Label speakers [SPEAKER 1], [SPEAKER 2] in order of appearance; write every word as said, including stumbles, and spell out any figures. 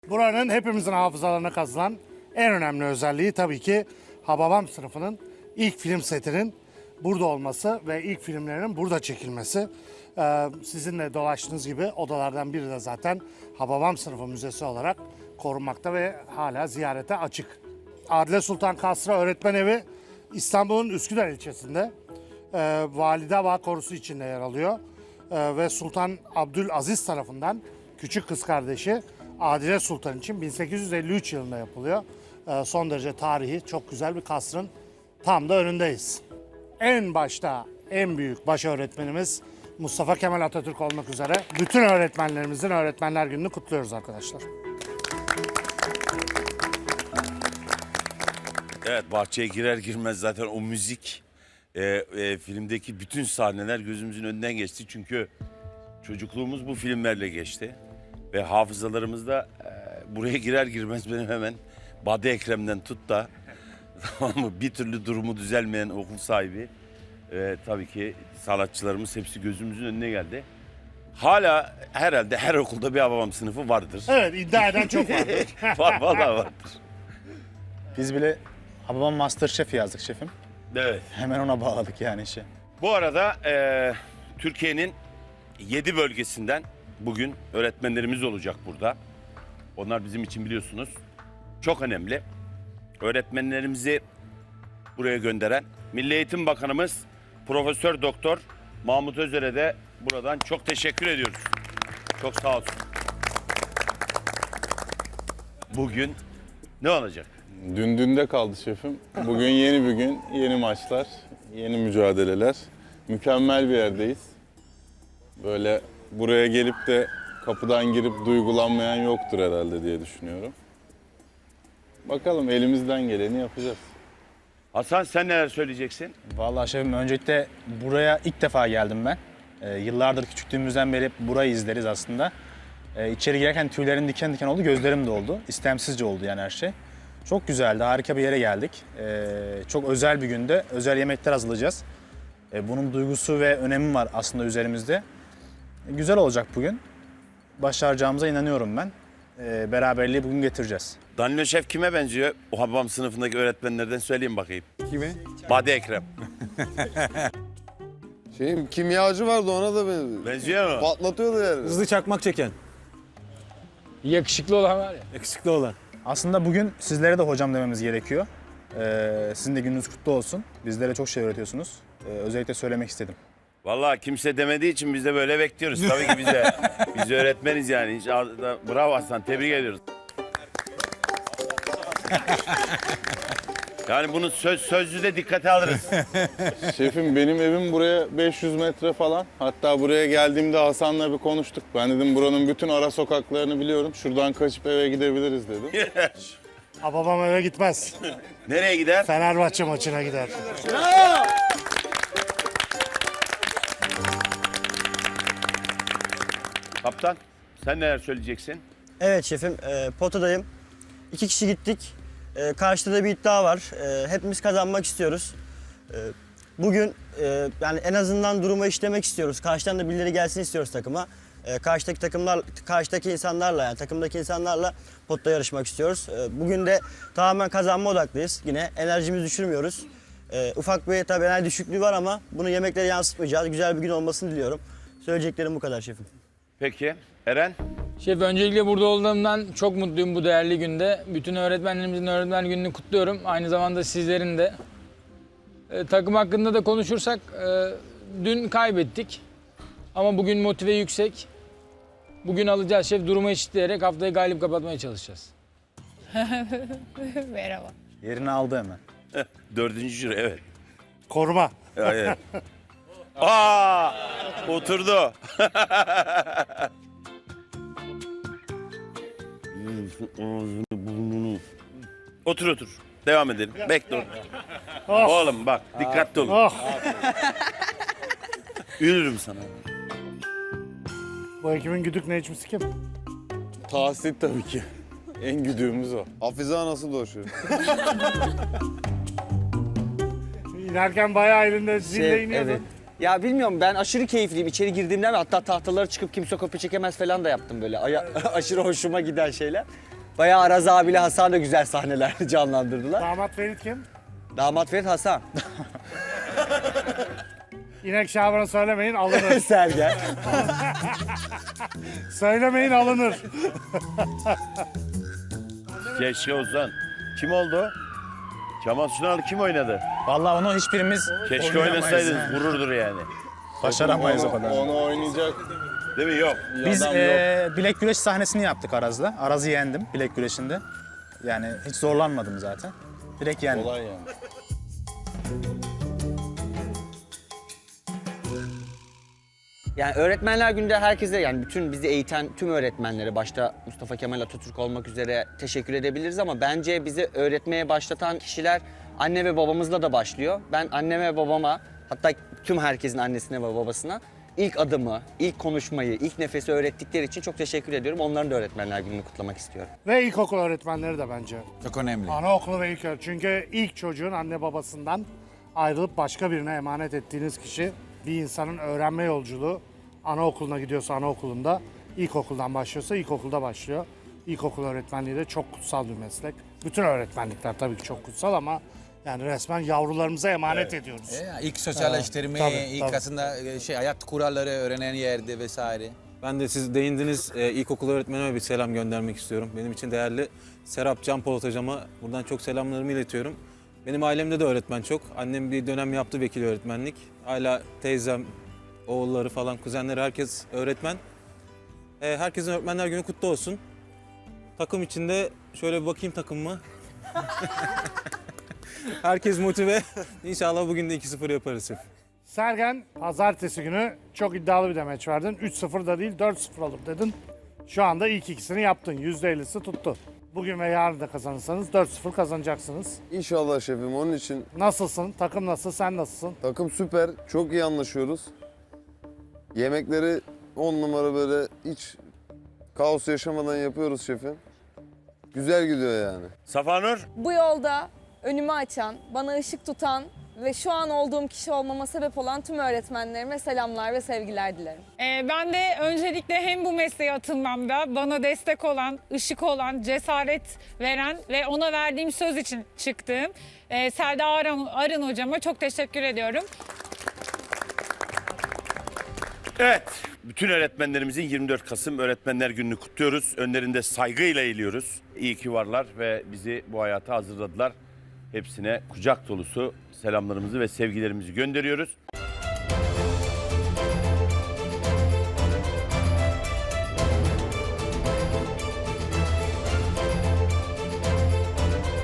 [SPEAKER 1] Buranın hepimizin hafızalarına kazınan en önemli özelliği tabii ki Hababam sınıfının ilk film setinin burada olması ve ilk filmlerinin burada çekilmesi. Ee, sizinle dolaştığınız gibi odalardan biri de zaten Hababam sınıfı müzesi olarak korunmakta ve hala ziyarete açık. Adile Sultan Kasra Öğretmen Evi İstanbul'un Üsküdar ilçesinde e, Valide Bağ Korusu içinde yer alıyor. E, ve Sultan Abdülaziz tarafından küçük kız kardeşi Adile Sultan için bin sekiz yüz elli üç yılında yapılıyor. E, son derece tarihi, çok güzel bir kasrın tam da önündeyiz. En başta en büyük baş öğretmenimiz Mustafa Kemal Atatürk olmak üzere bütün öğretmenlerimizin Öğretmenler Günü'nü kutluyoruz arkadaşlar.
[SPEAKER 2] Evet, bahçeye girer girmez zaten o müzik, e, e, filmdeki bütün sahneler gözümüzün önünden geçti. Çünkü çocukluğumuz bu filmlerle geçti. Ve hafızalarımızda e, buraya girer girmez benim hemen Bade Ekrem'den tut da tamam mı, bir türlü durumu düzelmeyen okul sahibi. E, tabii ki sanatçılarımız hepsi gözümüzün önüne geldi. Hala herhalde her okulda bir Hababam sınıfı vardır.
[SPEAKER 1] Evet, iddia eden çok vardır.
[SPEAKER 2] Var, vallahi vardır.
[SPEAKER 3] Biz bile Hababam Masterchef yazdık şefim.
[SPEAKER 2] Evet.
[SPEAKER 3] Hemen ona bağladık yani işi.
[SPEAKER 2] Bu arada e, Türkiye'nin yedi bölgesinden bugün öğretmenlerimiz olacak burada. Onlar bizim için biliyorsunuz çok önemli. Öğretmenlerimizi buraya gönderen Milli Eğitim Bakanımız Profesör Doktor Mahmut Özer'e de buradan çok teşekkür ediyoruz. Çok sağ olsun. Bugün ne olacak?
[SPEAKER 4] Dün dünde kaldı şefim. Bugün yeni bir gün, yeni maçlar, yeni mücadeleler. Mükemmel bir yerdeyiz. Böyle buraya gelip de kapıdan girip duygulanmayan yoktur herhalde diye düşünüyorum. Bakalım, elimizden geleni yapacağız.
[SPEAKER 2] Hasan, sen neler söyleyeceksin?
[SPEAKER 3] Vallahi şefim öncelikle buraya ilk defa geldim ben. Ee, yıllardır küçüklüğümüzden beri hep burayı izleriz aslında. Ee, içeri girerken tüylerim diken diken oldu, gözlerim de oldu. İstemsizce oldu yani her şey. Çok güzeldi, harika bir yere geldik. Ee, çok özel bir günde özel yemekler hazırlayacağız. Ee, bunun duygusu ve önemi var aslında üzerimizde. Ee, güzel olacak bugün. Başaracağımıza inanıyorum ben. Ee, beraberliği bugün getireceğiz.
[SPEAKER 2] Danilo Şef kime benziyor? O Hababam sınıfındaki öğretmenlerden söyleyeyim bakayım.
[SPEAKER 5] Kime?
[SPEAKER 2] Bade Ekrem.
[SPEAKER 5] Şeyim kimyacı vardı, ona da benziyor.
[SPEAKER 2] Benziyor mu?
[SPEAKER 5] Patlatıyordu yani.
[SPEAKER 6] Hızlı çakmak çeken. Yakışıklı olan var ya. Yakışıklı olan.
[SPEAKER 3] Aslında bugün sizlere de hocam dememiz gerekiyor. Ee, sizin de gününüz kutlu olsun. Bizlere çok şey öğretiyorsunuz. Ee, özellikle söylemek istedim.
[SPEAKER 2] Vallahi kimse demediği için biz de böyle bekliyoruz. Tabii ki bize. Biz öğretmeniz yani. Hiç ağzına- Bravo Aslan, tebrik ediyoruz. Yani bunu söz sözlü de dikkate alırız.
[SPEAKER 4] Şefim, benim evim buraya beş yüz metre falan. Hatta buraya geldiğimde Hasan'la bir konuştuk. Ben dedim buranın bütün ara sokaklarını biliyorum. Şuradan kaçıp eve gidebiliriz dedim.
[SPEAKER 1] Hababam eve gitmez.
[SPEAKER 2] Nereye gider?
[SPEAKER 1] Fenerbahçe maçına gider.
[SPEAKER 2] Kaptan, sen neler söyleyeceksin?
[SPEAKER 7] Evet şefim, e, potadayım. İki kişi gittik. E, karşıda da bir iddia var. E, hepimiz kazanmak istiyoruz. E, bugün e, yani en azından duruma işlemek istiyoruz. Karşıdan da birileri gelsin istiyoruz takıma. E, karşıdaki takımlar, karşıdaki insanlarla yani takımdaki insanlarla potta yarışmak istiyoruz. E, bugün de tamamen kazanma odaklıyız. Yine enerjimizi düşürmüyoruz. E, ufak bir tabii enerji düşüklüğü var ama bunu yemeklere yansıtmayacağız. Güzel bir gün olmasını diliyorum. Söyleyeceklerim bu kadar şefim.
[SPEAKER 2] Peki, Eren?
[SPEAKER 6] Şef, öncelikle burada olduğumdan çok mutluyum bu değerli günde. Bütün öğretmenlerimizin öğretmen gününü kutluyorum. Aynı zamanda sizlerin de. Ee, takım hakkında da konuşursak e, dün kaybettik. Ama bugün motive yüksek. Bugün alacağız şef, durumu eşitleyerek haftayı galip kapatmaya çalışacağız.
[SPEAKER 8] Merhaba.
[SPEAKER 3] Yerini aldı hemen.
[SPEAKER 2] Dördüncü jüri, evet.
[SPEAKER 1] Koruma.
[SPEAKER 2] Evet. Aa, oturdu. Otur otur. Devam edelim. Bekle otur.
[SPEAKER 1] Oh.
[SPEAKER 2] Oğlum bak, dikkatli olun.
[SPEAKER 1] Oh.
[SPEAKER 2] Yürürüm sana.
[SPEAKER 1] Bu ekibin güdük necmisi kim?
[SPEAKER 4] Tahsit tabii ki. En güdüğümüz o.
[SPEAKER 5] Hafize nasıl dolaşıyor?
[SPEAKER 1] İnerken bayağı elinde zille
[SPEAKER 9] Şey,
[SPEAKER 1] iniyordun.
[SPEAKER 9] evet. Ya bilmiyorum, ben aşırı keyifliyim. İçeri girdiğimden ve hatta tahtalara çıkıp kimse kopya çekemez falan da yaptım böyle. Aya- aşırı hoşuma giden şeyler. Bayağı Araz abiyle Hasan da güzel sahneler canlandırdılar.
[SPEAKER 1] Damat Ferit kim?
[SPEAKER 9] Damat Ferit Hasan.
[SPEAKER 1] İnek Şaban'ı söylemeyin alınır.
[SPEAKER 9] Sergen.
[SPEAKER 1] Söylemeyin alınır.
[SPEAKER 2] Keşke Ozan. Kim oldu? Kemal Sunal kim oynadı?
[SPEAKER 3] Vallahi onu hiçbirimiz
[SPEAKER 2] Keşke
[SPEAKER 3] oynayamayız
[SPEAKER 2] oynasaydınız
[SPEAKER 3] yani.
[SPEAKER 2] gururdur yani.
[SPEAKER 3] Başaramayız o
[SPEAKER 4] Onu,
[SPEAKER 3] kadar.
[SPEAKER 4] onu oynayacak
[SPEAKER 2] Değil mi? Yok.
[SPEAKER 3] Biz
[SPEAKER 4] adam
[SPEAKER 3] eee,
[SPEAKER 4] yok.
[SPEAKER 3] bilek güreş sahnesini yaptık Araz'la. Araz'ı yendim bilek güreşinde. Yani hiç zorlanmadım zaten. Direkt yendim.
[SPEAKER 4] Kolay yani.
[SPEAKER 9] Yani öğretmenler günde herkese, yani bütün bizi eğiten tüm öğretmenlere, başta Mustafa Kemal Atatürk olmak üzere teşekkür edebiliriz ama bence bizi öğretmeye başlatan kişiler anne ve babamızla da başlıyor. Ben anneme ve babama, hatta tüm herkesin annesine ve babasına ilk adımı, ilk konuşmayı, ilk nefesi öğrettikleri için çok teşekkür ediyorum. Onların da öğretmenler gününü kutlamak istiyorum.
[SPEAKER 1] Ve ilkokul öğretmenleri de bence.
[SPEAKER 8] Çok önemli.
[SPEAKER 1] Anaokulu ve ilk çünkü ilk çocuğun anne babasından ayrılıp başka birine emanet ettiğiniz kişi, bir insanın öğrenme yolculuğu anaokuluna gidiyorsa anaokulunda, ilkokuldan başlıyorsa ilkokulda başlıyor. İlkokul öğretmenliği de çok kutsal bir meslek. Bütün öğretmenlikler tabii ki çok kutsal ama yani resmen yavrularımıza emanet ediyoruz.
[SPEAKER 8] E, ilk sosyalleştirme,
[SPEAKER 1] Tabii,
[SPEAKER 8] ilk
[SPEAKER 1] tabii.
[SPEAKER 8] aslında e, şey hayat kuralları öğrenen yerde vesaire.
[SPEAKER 10] Ben de siz değindiniz e, ilkokul öğretmenime bir selam göndermek istiyorum. Benim için değerli Serap Can Polat hocama buradan çok selamlarımı iletiyorum. Benim ailemde de öğretmen çok. Annem bir dönem yaptı vekil öğretmenlik. Hala teyzem, oğulları falan, kuzenleri herkes öğretmen. E, herkesin öğretmenler günü kutlu olsun. Takım içinde şöyle bir bakayım takımıma. Herkes motive. İnşallah bugün de iki sıfır yaparız.
[SPEAKER 1] Sergen pazartesi günü çok iddialı bir demeç verdin. üç sıfır da değil dört sıfır olur dedin. Şu anda ilk ikisini yaptın. yüzde ellisi tuttu. Bugün ve yarın da kazanırsanız dört sıfır kazanacaksınız.
[SPEAKER 5] İnşallah şefim, onun için
[SPEAKER 1] Nasılsın? Takım nasıl? Sen nasılsın?
[SPEAKER 5] takım süper. Çok iyi anlaşıyoruz. Yemekleri on numara, böyle hiç kaos yaşamadan yapıyoruz şefim. Güzel gidiyor yani.
[SPEAKER 2] Safanur.
[SPEAKER 11] Bu yolda önümü açan, bana ışık tutan ve şu an olduğum kişi olmama sebep olan tüm öğretmenlerime selamlar ve sevgiler dilerim.
[SPEAKER 12] Ee, ben de öncelikle hem bu mesleğe atılmamda bana destek olan, ışık olan, cesaret veren ve ona verdiğim söz için çıktığım e, Selda Arın, Arın hocama çok teşekkür ediyorum.
[SPEAKER 2] Evet. Bütün öğretmenlerimizin yirmi dört Kasım Öğretmenler Günü'nü kutluyoruz. Önlerinde saygıyla eğiliyoruz. İyi ki varlar ve bizi bu hayata hazırladılar. Hepsine kucak dolusu selamlarımızı ve sevgilerimizi gönderiyoruz.